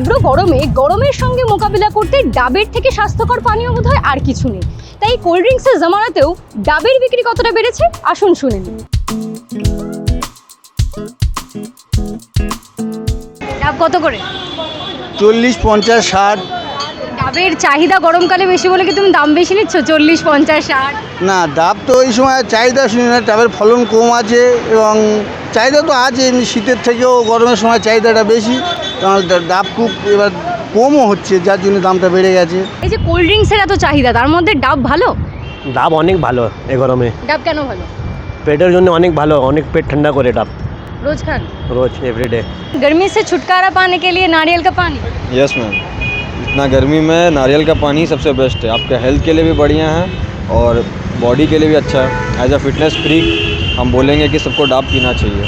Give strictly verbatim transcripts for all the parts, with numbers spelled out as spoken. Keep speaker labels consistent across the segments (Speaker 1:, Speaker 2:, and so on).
Speaker 1: তীব্র গরমে গরমের সঙ্গে মোকাবিলা করতে ডাবের থেকে স্বাস্থ্যকর পানীয় বোধহয় আর কিছু নেই। তাই কোল্ড ড্রিঙ্কসের জামানাতেও ডাবের বিক্রি কতটা বেড়েছে আসুন শুনে নিন। ডাব কত করে?
Speaker 2: চল্লিশ, পঞ্চাশ, ষাট।
Speaker 1: ডাবের চাহিদা গরমকালে বেশি বলে কি তুমি দাম বেশি নিচ্ছ? চল্লিশ, পঞ্চাশ, ষাট?
Speaker 2: না, ডাব তো ওই সময় চাহিদা শুনি না, ডাবের ফলন কম আছে এবং চাহিদা তো আছে, এমনি শীতের থেকেও গরমের সময় চাহিদাটা বেশি, কারণ ডাব খুব এবার কমও হচ্ছে, যার জন্য দামটা বেড়ে গেছে।
Speaker 1: এই যে কোল্ড ড্রিঙ্কসের এত চাহিদা, তার মধ্যে ডাব ভালো?
Speaker 3: ডাব অনেক ভালো এই গরমে।
Speaker 1: ডাব কেন ভালো?
Speaker 3: পেটের জন্য অনেক ভালো, অনেক পেট ঠান্ডা করে ডাব।
Speaker 1: रोज खान
Speaker 3: रोज एवरीडे।
Speaker 1: गर्मी से छुटकारा पाने के लिए नारियल का पानी।
Speaker 4: यस मैम, इतना गर्मी में नारियल का पानी सबसे बेस्ट है, आपके हेल्थ के लिए भी बढ़िया है और बॉडी के लिए भी अच्छा है। एज अ फिटनेस फ्रीक हम बोलेंगे कि सबको डाब पीना चाहिए।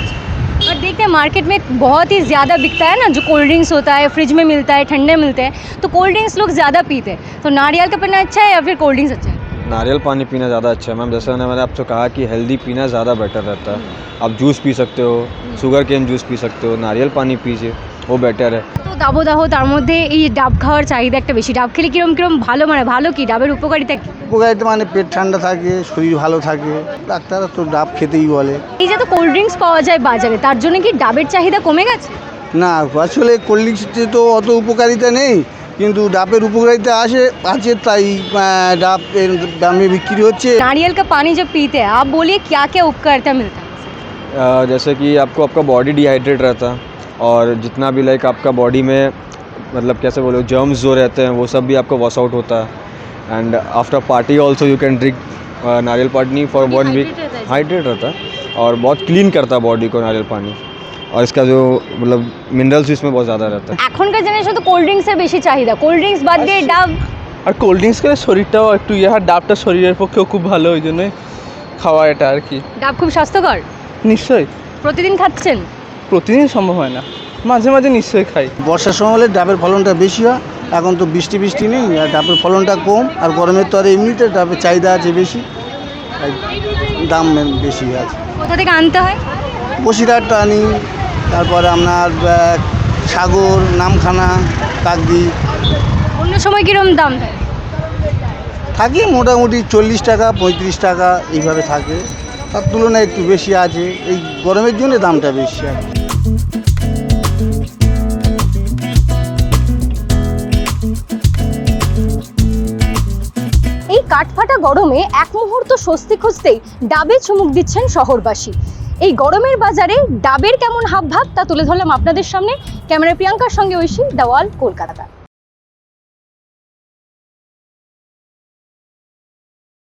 Speaker 1: और देखते हैं मार्केट में बहुत ही ज़्यादा बिकता है ना, जो कोल्ड ड्रिंक्स होता है फ्रिज में मिलता है, ठंडे मिलते हैं, तो कोल्ड ड्रिंक्स लोग ज़्यादा पीते हैं। तो नारियल का पानी अच्छा है या फिर कोल्ड ड्रिंक्स अच्छा है?
Speaker 4: नारियल पानी पीना ज़्यादा अच्छा है मैम, जैसे मैंने मैंने आपसे कहा कि हेल्दी पीना ज़्यादा बेटर रहता है। आप जूस पी सकते हो, शुगर केन जूस पी सकते हो, नारियल पानी पीजिए, वो बेटर है।
Speaker 1: তো দাবদাহ তার মধ্যে এই ডাব খাওয়ার চাহিদা একটা বেশি। ডাব খেলে কিরম কিরম ভালো, মানে ভালো কি ডাবের উপকারিতা কি?
Speaker 2: উপকারিতা মানে পেট ঠান্ডা থাকে, শরীর ভালো থাকে, ডাক্তাররা তো ডাব খেতেই বলে।
Speaker 1: এই যে তো কোল্ড ড্রিঙ্কস পাওয়া যায় বাজারে, তার জন্য কি ডাবের চাহিদা কমে গেছে?
Speaker 2: না, আসলে কোল্ড ড্রিঙ্কসে তো অত উপকারিতা নেই, কিন্তু ডাবের উপকারিতা আছে আছে তাই আহ, ডাব এর দামে বিক্রি হচ্ছে।
Speaker 1: नारियल का पानी जब पीते हैं, आप बोलिए क्या क्या उपकारिता मिलता है?
Speaker 4: अ, जैसे कि आपको आपका बॉडी डिहाइड्रेट रहता है और जितना भी लाइक आपका बॉडी में मतलब कैसे बोलो जर्म्स जो रहते हैं वो सब भी आपका वॉश आउट होता है। And after party also you can drink nariyal pani for one week. Hydrate रहता है और बहुत क्लीन करता है बॉडी को नारियल पानी, और इसका जो मतलब मिनरल्स इसमें बहुत ज़्यादा रहता है।
Speaker 1: এখনকার জেনারেশন তো কোল্ড ড্রিঙ্কসের বেশি চাহিদা, কোল্ড ড্রিঙ্কস বাদ দিয়ে ডাব।
Speaker 5: আর কোল্ড ড্রিঙ্কস খেলে শরীরটাও একটু ইয়ে হয়, ডাবটা শরীরের পক্ষেও খুব ভালো, ওই জন্যই খাওয়া এটা আর কি।
Speaker 1: ডাব খুব স্বাস্থ্যকর।
Speaker 5: নিশ্চয়ই।
Speaker 1: প্রতিদিন খাচ্ছেন?
Speaker 5: প্রতিদিন সম্ভব হয় না, মাঝে মাঝে নিশ্চয়ই খাই।
Speaker 2: বর্ষার সময় হলে ডাবের ফলনটা বেশি হয়, এখন তো বৃষ্টি বৃষ্টি নেই আর ডাবের ফলনটা কম, আর গরমের তো আর এমনিতে ডাবের চাহিদা আছে বেশি, তাই দাম বেশি আছে।
Speaker 1: কোথা থেকে আনতে হয়?
Speaker 2: বসিরহাট আনি, তারপরে আপনার আহ, সাগর, নামখানা, কাকদ্বীপ।
Speaker 1: অন্য সময় কিরম দাম থাকে?
Speaker 2: থাকে মোটামুটি চল্লিশ টাকা, পঁয়ত্রিশ টাকা এইভাবে থাকে, তার তুলনায় একটু বেশি আছে, এই গরমের জন্য দামটা বেশি আছে।
Speaker 1: এই কাঠফাটা গরমে এক মুহূর্ত স্বস্তি খুঁজতেই ডাবে চুমুক দিচ্ছেন শহরবাসী। এই গরমের বাজারে ডাবের কেমন হাবভাব তা তুলে ধরলাম আপনাদের সামনে। ক্যামেরা প্রিয়াঙ্কার সঙ্গে ঐশী, দ্য ওয়াল, কলকাতা।